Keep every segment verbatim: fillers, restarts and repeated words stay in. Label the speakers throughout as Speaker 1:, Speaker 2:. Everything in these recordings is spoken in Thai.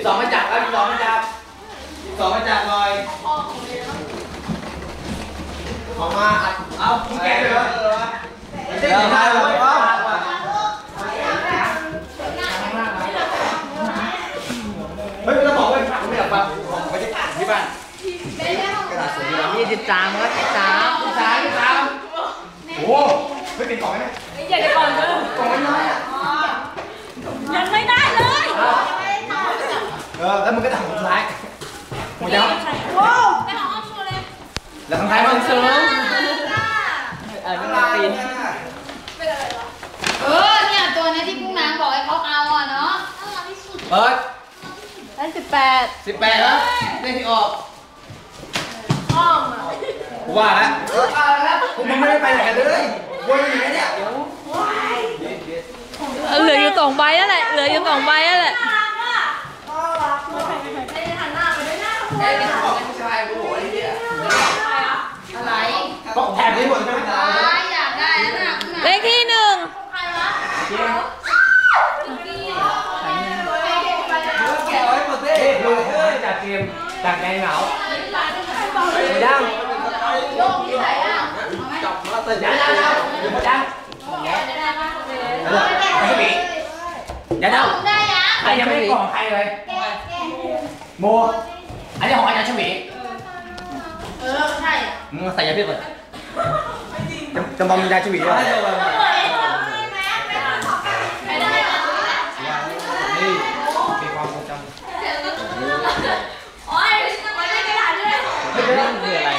Speaker 1: สองมาจับเอาสิบสองมาจับสิบสองมาจับหน่อยออกมาเอาคุณแกเลยเหรอเดี๋ยวมาเลยเอาเฮ้ยไม่ต้องบอกว่าผมไม่อยากฟังผมไม่ได้อ่านที่บ้าน
Speaker 2: ยี่สิบสามก็สิบสาม
Speaker 1: สิบสามสิบสามโอ้ไม่เป็นกล่องไหม
Speaker 3: ไม่ใหญ่ก่อนเลย
Speaker 1: กล่องน้อยอ่ะ
Speaker 3: ยังไม่ได้เลย
Speaker 1: เออแล้วมันก็ทำผลร้ายหัวใจ
Speaker 3: โอ้ได้ของอ้อมเลย
Speaker 1: แล้วทางท้ายมันเสริม
Speaker 2: เออไม่ปีน
Speaker 4: เออเนี่ยตัวนี้ที่พุ่งน้ำบอกให้เขาเอาอ่ะเนาะ
Speaker 1: เปิด
Speaker 4: ได้สิบแปด
Speaker 1: สิบแปดแล้วเลขที่ออก
Speaker 3: อ้อมอ่ะ
Speaker 1: ว่าแล้วแล้วผมไม่ได้ไปไหนกันเลยวนอยู่ไหนเนี่ย
Speaker 2: เหลืออยู่สองใบนั่นแหละเหลืออยู่สองใบนั่นแหละ
Speaker 1: ไอ้ที่บอกผู้ชายกูบอกไอ้เนี่ย
Speaker 4: อะไร
Speaker 1: ต้องแถบนี้หมดใช่ไหม
Speaker 4: อยากได้นะ
Speaker 2: เลขที่หนึ่ง
Speaker 1: แกะไว้หมดเลยดูจากเกมจากไงเหงาไม่ได้
Speaker 4: โยกที่ไหนอ่ะ
Speaker 1: จับมาแต่ยังยังยังไม่ได้ไม่ใช่บียังยังใครยังไม่กล่องใครเลยโมอันนี้ของอาจารย์ชวี
Speaker 4: เออใช่
Speaker 1: มึงใส่ยาพิษก่อนจำบอมยาชวีด้วยนี่มีความทรงจำ
Speaker 3: โอ้ยไม่ได้กระดาษด้วย
Speaker 1: ไม่ใช่คืออะไร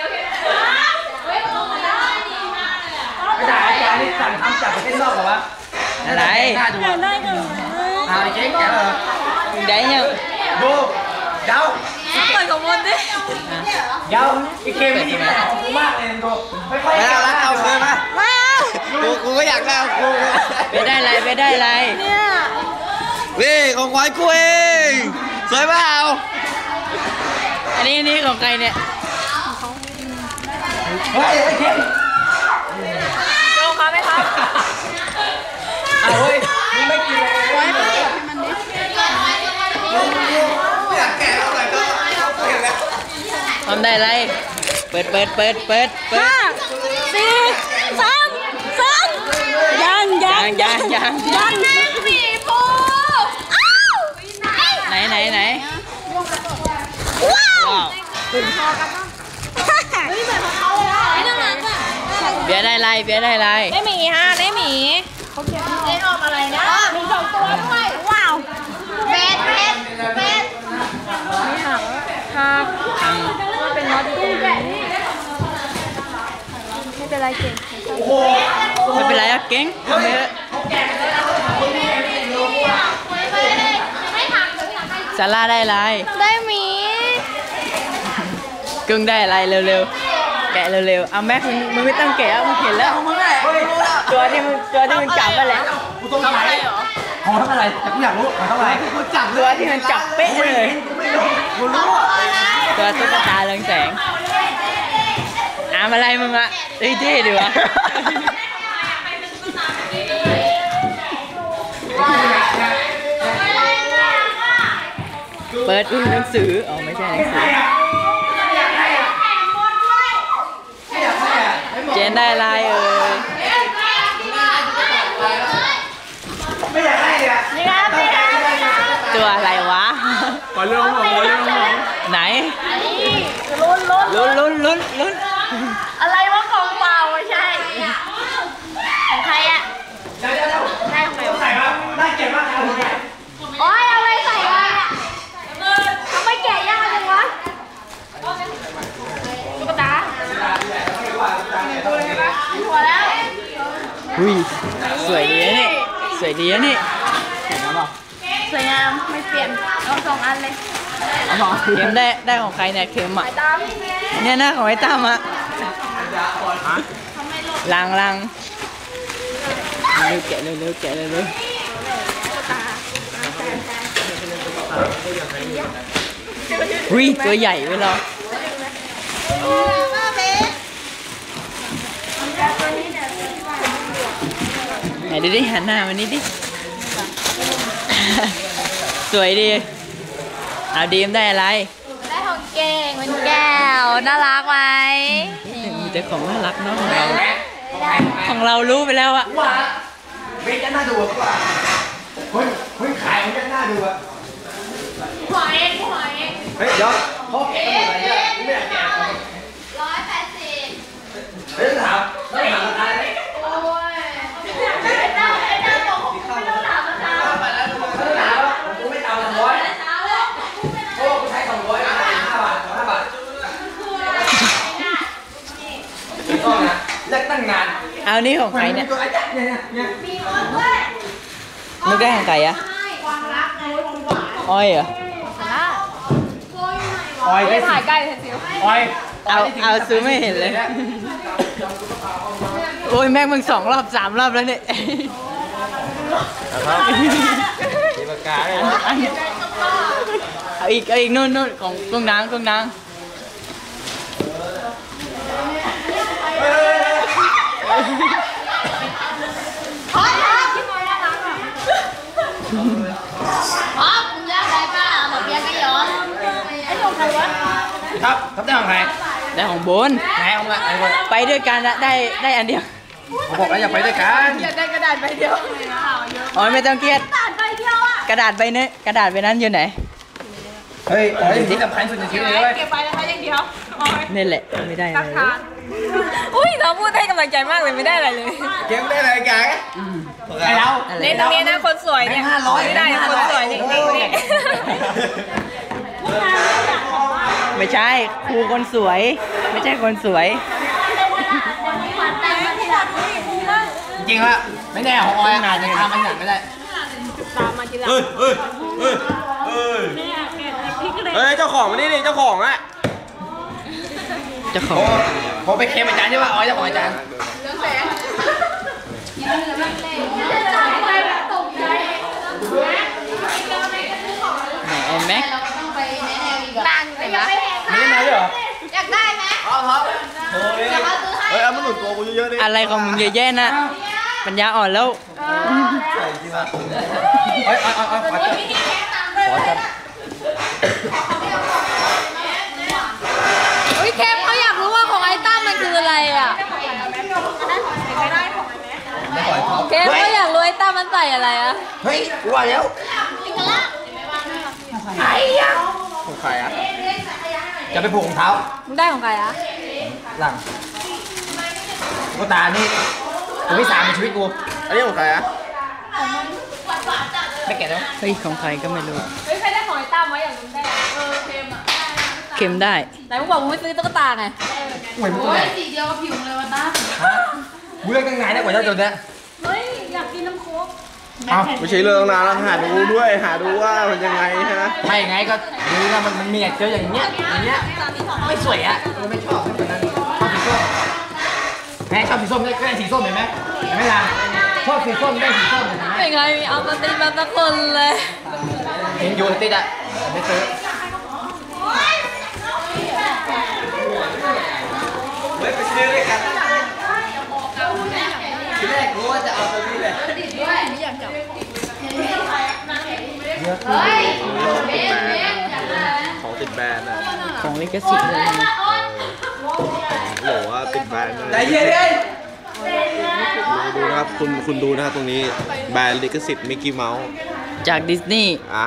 Speaker 1: ไม่ได้อาจารย์นี่สั่งทำจับไปเส้นนอกเหรอวะ
Speaker 2: อะไร
Speaker 1: น่าดู
Speaker 3: ได้กัน
Speaker 1: เอาไอ้เจ๊งแกเหรอ
Speaker 2: ได้ยัง
Speaker 1: ดูเดา
Speaker 2: เปิดของมันดิ
Speaker 1: เดาไอ้เกมนี่มันของกูมากเลยดูไม่ค่อย
Speaker 5: ไม่เอาแล้วเอาคืนมา
Speaker 2: ไม่เอา
Speaker 5: กูกูก็อยากได้กู
Speaker 2: ไปได้ไรไปได้ไรเนี่ย
Speaker 5: วิ่งของขวัญกูเองสวยเปล่า
Speaker 2: อันนี้นี่ของใครเนี่ย
Speaker 1: เฮ้ยไอ้เกม
Speaker 2: โจ้ครับไหมครับ
Speaker 1: เอาเฮ้ยมึงไม่กินเลยไว้เปิดให้มันดิไม่อยากแก่แล้วแต่ก็เห็นแล้ว
Speaker 2: ทำได้ไรเปิดเปิดเปิดเปิดเปิดห้าสี่สามสองยังยังยังยังยัง
Speaker 3: สีฟู
Speaker 2: อ้าวไหนไหนไหนว้าว
Speaker 3: ถึงพอกันบ้างเฮ้ยเหมือนของเขาเลยอ่ะไอ้นั่นน่ะ
Speaker 2: เบียร์ได้ไรเบียร์ได้ไร
Speaker 3: ได้หมีฮะได้หมีเขาเขียนได้ออกอะไรนะมีสองตัวด้วยว้าว
Speaker 4: เบสเบสเบส
Speaker 3: ไม่หักหักว่าเป็นน็อตอยู่ตรงนี้ไม่เป็นไรเก่ง
Speaker 2: ไม่เป็นไรอะเก่งทำไปเลยซาร่าได้ไร
Speaker 3: ได้หมี
Speaker 2: กึ่งได้อะไรเร็วๆแกะเร็วๆเอาแม็กมึงมึงไม่ต้องแกะมึงเห็นแล้วมึงแหละตัวที่มึงตัวที่มึงจับนั่นแหละ
Speaker 1: กูต้องไหนขอเท่าไหร่แต่กูอยากรู้ขอเท่าไหร่กูจับ
Speaker 2: ตัวที่มันจับเป๊ะเลย
Speaker 1: กูรู้
Speaker 2: ตัวตุ๊กตาเรืองแสงอามอะไรมึงอะเท่เท่ดีวะเปิดหนังสืออ๋อไม่ใช่หนังสือเจนได้ลายเอ่ย
Speaker 1: ไม่อยากให้เลย
Speaker 2: ตัวอะไรวะ
Speaker 1: ขอเรื่องของขอเรื่องของ
Speaker 2: ไหน
Speaker 3: ลุ้นลุ้น
Speaker 2: ลุ้นลุ้นลุ้นลุ้น
Speaker 3: อะไรวะของเปล่าไม่ใช่ของใครอะ
Speaker 1: ได้ได้ได้ของใครใส่มาได้เก็บมากครับ
Speaker 3: โอ้ยเอาอะไรใส่วะทำไมแกะยากจังวะตุ๊กตาหัวแล้ว
Speaker 2: อุ้ยสวยดีนี่สวยดีนี่เห็นไหม
Speaker 3: สวยงามไม่เปลี่ยนเอาสองอันเลย
Speaker 2: เข็มได้ได้ของใครเนี่ยเข็มอ่ะเนี่ยนะของไอ้ตั้มอ่ะลังลังเร็วแกะเร็วเร็วแกะเร็วเร็วอุ้ยตัวใหญ่เว้ยเราไหนดูดิหันหน้ามานี่ดิสวยดีเอาดีมได้อะไร
Speaker 3: ได้ของเก่งเป็นแก้วน่ารักไหม
Speaker 2: มีแต่ของน่ารักเนาะ
Speaker 1: แม่แม่
Speaker 2: ของเรารู้ไปแล้วอะ
Speaker 1: ว่าเบสจะน่าดูกว่าคนคนขายมันจะน่าดูอะ
Speaker 3: หัวเองหัวเอง
Speaker 1: เฮ้ยเดี๋ยวเขาแกะอะไรเนี่ยไม่ได้แกะ
Speaker 3: ร้อยแปดสิบ
Speaker 1: เฮ้ยถามไม่ถามอะไร
Speaker 3: โอ้ยไอ้เจ้าไอ้เจ้าบอกผมไม่ต้องถามนะจ๊ะ
Speaker 1: ไม่ถามผมไม่เอาสองร้อยโอ้กูใช้สองร้อยห้าบาทห้าบาทไม่ต้องนะเลิกตั้งนาน
Speaker 2: เอานี่ของใครเนี่ย
Speaker 1: ตัวไอ้เนี่ยเนี่ยเนี่ย
Speaker 3: มีคนด้วย
Speaker 2: นึกได้ของใครอะ
Speaker 3: ความรักไงความหวาน
Speaker 2: อ้อยเหรอ
Speaker 1: ออยได้
Speaker 3: ถ่ายใกล้เลยสิว
Speaker 1: ออย
Speaker 2: เอาเอาซื้อไม่เห็นเลย โอ้ยแม่งมึงสองรอบสามรอบแล้วเนี่ย
Speaker 1: มีปากกาเลยนะ
Speaker 2: เอาอีกเอาอีกนู่นนู่นของกุ้งนางกุ้งนาง
Speaker 3: พอดพอดที่มอยน่ารักอ่ะอ๋อคุณยากไรป้าหมดเบียร์ก็ย้อนไอ้ของใครวะ
Speaker 1: ครับทับได้ของใคร
Speaker 2: ได้ของโบน
Speaker 1: ไหนของอะไรคน
Speaker 2: ไปด้วยกันอะได้ได้อันเดียว
Speaker 1: ผมบอกแล้วอย่าไปด้วยกัน
Speaker 3: อยากได้กระดาษใบเดียว
Speaker 2: อ๋อไม่ต้องเครียด
Speaker 3: กระดาษใบเดียวอ่ะ
Speaker 2: กระดาษใบนี้กระดาษใบนั้นอยู่ไหน
Speaker 1: เฮ้ยอ๋อสิ่งที่สำคัญสุดในชีวิตเลยเว้ย
Speaker 3: เก็บไปแล้วอย่างเดียว
Speaker 2: นี่แหละไม่ได้อะไรเลย
Speaker 3: อุ้ยเราพูดให้กำลังใจมากเลยไม่ได้อะไรเลย
Speaker 1: เกมได้อะไรกันไอเรา
Speaker 2: อะไร
Speaker 3: เล่นตรงนี้นะคนสวยเนี่ย
Speaker 1: ห้าร้อย
Speaker 3: ไม่ได้คนสวยจริงๆเนี่ย
Speaker 2: ไม่ใช่ครูคนสวย ไม่ใช่คนสวย
Speaker 1: จริงๆว่าไม่แน่ของออยอาจจะทำมันหนักไม่ได้
Speaker 5: เฮ้ยเฮ้ยเฮ้ยเฮ้ยเฮ้ยเจ้าของมานี่ดิเจ้าของอะ
Speaker 2: เจ้าของ
Speaker 1: โอ้ผมไปเคมอาจารย์ใช่ป่ะออยเจ้าของอาจารย์
Speaker 2: ไหนไอ้แม็ก
Speaker 3: ตังค์สิวะ
Speaker 1: มีมาด้วยเหรอ
Speaker 3: อยากได้ไหม
Speaker 1: เอาครับ
Speaker 5: เฮ้ยเอามาหนุนตัวกูเยอะๆดิ
Speaker 2: อะไรของมึงเยอะแยะนะปัญญาอ่อนแล้ว
Speaker 1: ใส่จริงป่ะออยออยออยออยขอจับขอจับ
Speaker 3: อุ้ยเคมเขาอยากรู้ว่าของไอ้ตั้มมันคืออะไรอ่ะ
Speaker 1: ไม่ขอเขา
Speaker 3: เคมเขาอยากรู้ไอ้ตั้มมันใส่อะไรอ่ะ
Speaker 1: เฮ้ยกูว่าแล้วไอ้ยังของใครอ่ะจะไปผูกรองเท้า
Speaker 3: มึงได้ของใครอ่ะ
Speaker 1: หลังกูตานี่กูที่สามในชีวิตกู
Speaker 5: อันนี้ของใครอะ
Speaker 1: ไม่แก่แล้ว
Speaker 2: เฮ้ยของใครก็ไม่รู้
Speaker 3: เฮ้ยใครได้ของไอ้ตั้มไว้อย่างมึงได้เออเคมอ่ะ
Speaker 2: เค็มได้
Speaker 3: ไหนมึงบอกมึงไม่ซื้อตุ๊กตาไง
Speaker 1: หวยมึงตัวไหน
Speaker 4: สีเดียวกับผิวเลยวันตั้ม
Speaker 1: ฮะกูเลือกตั้งนานแล้วกว่าจะจนเนี้ย
Speaker 3: เฮ้ยอยากกินน้ำโค้ก
Speaker 1: เอา
Speaker 5: ไม่ใช่เรื่องนานแล้วหาดูด้วยหาดูว่ามันยังไงฮะ
Speaker 1: ไม่ไงก็ดูนะมันมันมีเจออย่างเงี้ยอย่างเงี้ยไม่สวยอ่ะกูไม่ชอบไม่เป็นนั้นชอบสีส้มแม่ชอบสีส้มได้ก็ได้สีส้มเห็นไหมเห็นไหมล่ะชอบสีส้มได้สีส้มเห็นไหม
Speaker 3: เป็นไงมีเอามาตีมาสักคนเลย
Speaker 1: เห็นอยู่ติดอ่ะไม่ซื้อ
Speaker 5: เฮ้ยไปซื้อด้วยกัน
Speaker 1: ทีแรกรู้ว่าจะเอาตัวนี้แหละ
Speaker 4: เฮ้ยเบสเบสอยากได้
Speaker 5: ของติดแบรนด์อะ
Speaker 2: ของลิขสิทธิ์เลย
Speaker 5: โหว่าติดแบรนด์เลย
Speaker 1: ใจเย็นเลย
Speaker 5: ดูนะครับคุณคุณดูนะครับตรงนี้แบรนด์ลิขสิทธิ์มิกกี้เมาส์
Speaker 2: จากดิสนีย์
Speaker 5: อ่า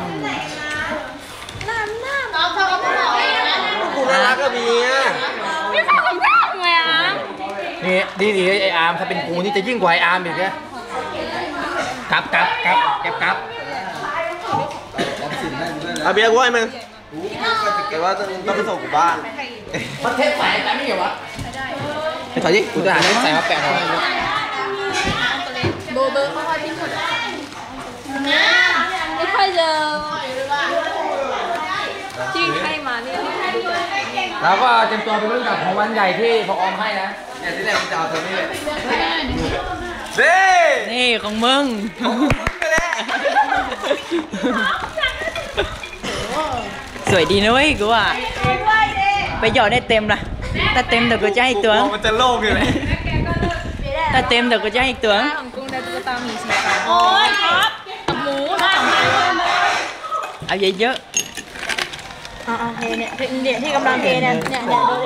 Speaker 4: น้องชอบก็บอกเองนะ
Speaker 5: คุณน่ารักก็มีอ่ะ
Speaker 3: ไม่ฟังของตั้มเลยอ่ะ
Speaker 1: นี่ดีดีไออาร์มถ้าเป็นกูนี่จะยิ่งกว่าไออาร์มอีกนะกลับกลับกลับกลับกลับ
Speaker 5: เอาเบียร์กูให้มึงแต่ว่าต้องไปส่งกูบ้าน
Speaker 1: ประเทศใส่แต่ไม่เหรอวะไอ้ถอยดิกูจะหาเล่นใส่มาแปะหน่อย
Speaker 3: โบเบอร์เขาคอยพิมพ์หมดไม่ค่อยเจอที่ให้มาเนี่ย
Speaker 1: แล้วก็เตรียมตัวไปรุ่นกับของวันใหญ่ที่พอออมให้นะเนี่ยที่แรกกูจะเอาตัวนี้เลย
Speaker 5: เด้
Speaker 2: นี่ของมึง สวยดีนะเว้ยกูว่าไปหยอดได้เต็มละถ้าเต็มเดี๋ยวกูจะให้อีกตัว
Speaker 5: มันจะโล่งอยู่เลย
Speaker 2: ถ้าเต็มเดี๋ยวกูจะให้อีกตัว
Speaker 3: ของกุ้งได้ตุ๊กตาหมีสีฟ้าโอ้ยครับกับหมูนะ
Speaker 2: เอาเยอะ
Speaker 3: อ่าเทเนี่ยเนี่ยที่กำลังเทเนี่ยเนี่ยเนี่ยดูดิ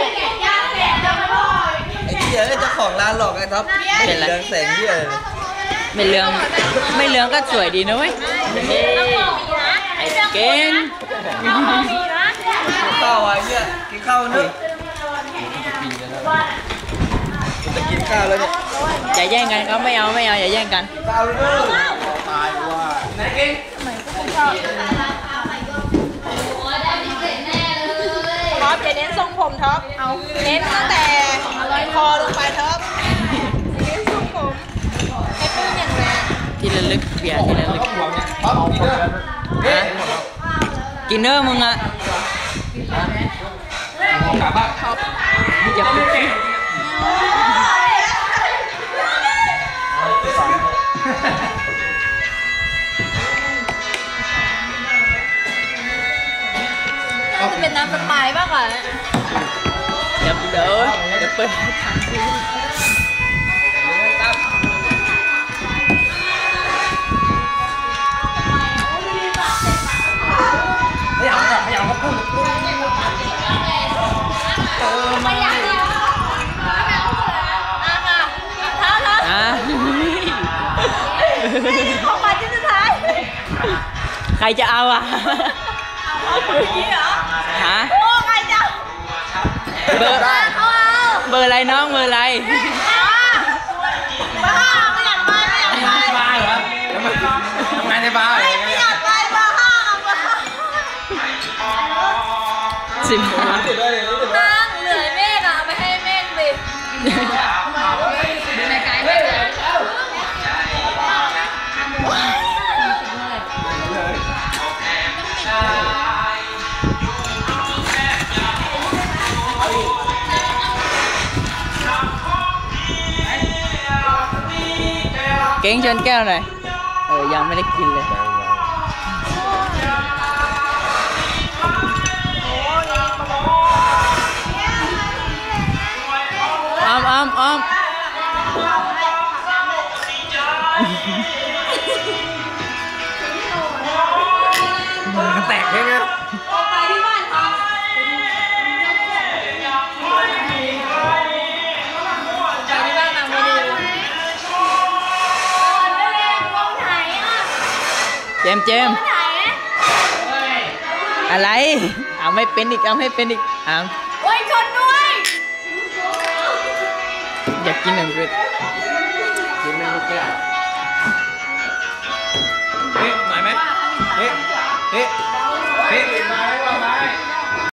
Speaker 5: ไอ้เหี้ยเจ้าของร้านหลอกไอ้ท็อปไม่เห็นเรืองแสงเหี้ยเลย
Speaker 2: ไม่เหลืองไม่เหลืองก็สวยดีนะเว้ยไอ้เก่ง
Speaker 5: กินข้าวอ่ะเหี้ยกินข้าวนึกจะกินข้าวแล้วเนี่ย
Speaker 2: อย่าแย่งกันครับไม่เอาไม่เอาอย่าแย่งกัน
Speaker 5: ข้าวเลยตายว่าไหนกิน
Speaker 3: ท็อปอย่าเน้นทรงผมท็อปเอาเน้นตั้งแต่คอลงไปท็อปเน้นทรงผมให้ปื้มอย่างแรง
Speaker 2: ทีละลึกเปียทีละลึก
Speaker 5: ท็อปกินเด้อเฮ้ย
Speaker 2: กินเนอร์มึงอะ
Speaker 5: กลับบ้าน
Speaker 2: อย่าพูด
Speaker 3: น่าจะเป็นน้ำสไปร์มากกว่า
Speaker 2: เดี๋ยวเดี๋ยวเดี๋ยวเปิด
Speaker 1: ไม่เอาไม่เอาก็พูด
Speaker 3: ไม่อยากเลยอ่ะค่ะเท้าเท้า
Speaker 2: อ่ะ
Speaker 3: ของขวัญชิ้นสุดท้าย
Speaker 2: ใครจะเอาอ่ะ
Speaker 3: เอาคนนี้เหรอ
Speaker 2: ฮะ
Speaker 3: โอ้ใครจะ
Speaker 2: เบอร์
Speaker 3: เอาเอา
Speaker 2: เบอร์อะไรน้องเบอร์อะไร
Speaker 3: บ้าไม่อยากไปไม่อยากไป
Speaker 1: บาร์เหรอทำงานในบาร์เหรอ
Speaker 3: ไม่อยากไปบ้าห้าบ้า
Speaker 2: สิบห้า
Speaker 5: ติดเลยติดเลย
Speaker 3: ห้างเหลือเมฆอ่ะเอาไปให้เมฆสิดูในกายเมฆเลย
Speaker 2: เก่งชนแก้วหน่อยเออยังไม่ได้กินเลยอ้อมอ้อมอ้อม
Speaker 1: มันแตกใช่ไหม
Speaker 3: ไปที่บ้านเขาไปที่บ้านนางไม่ดีไหนอ่ะ
Speaker 2: เจมส์เจมส์
Speaker 3: ไหน
Speaker 2: อะไรเอาไม่เป็นอีกเอาไม่เป็นอีกเอา
Speaker 3: โอ้ยชนด้วย
Speaker 2: อยากกินหนึ่งเกลือ
Speaker 1: กินไม่รู้แก้วเฮ้ยหน่อยไหมเฮ้ยเฮ้ยเฮ้ยมาไหมมาไหม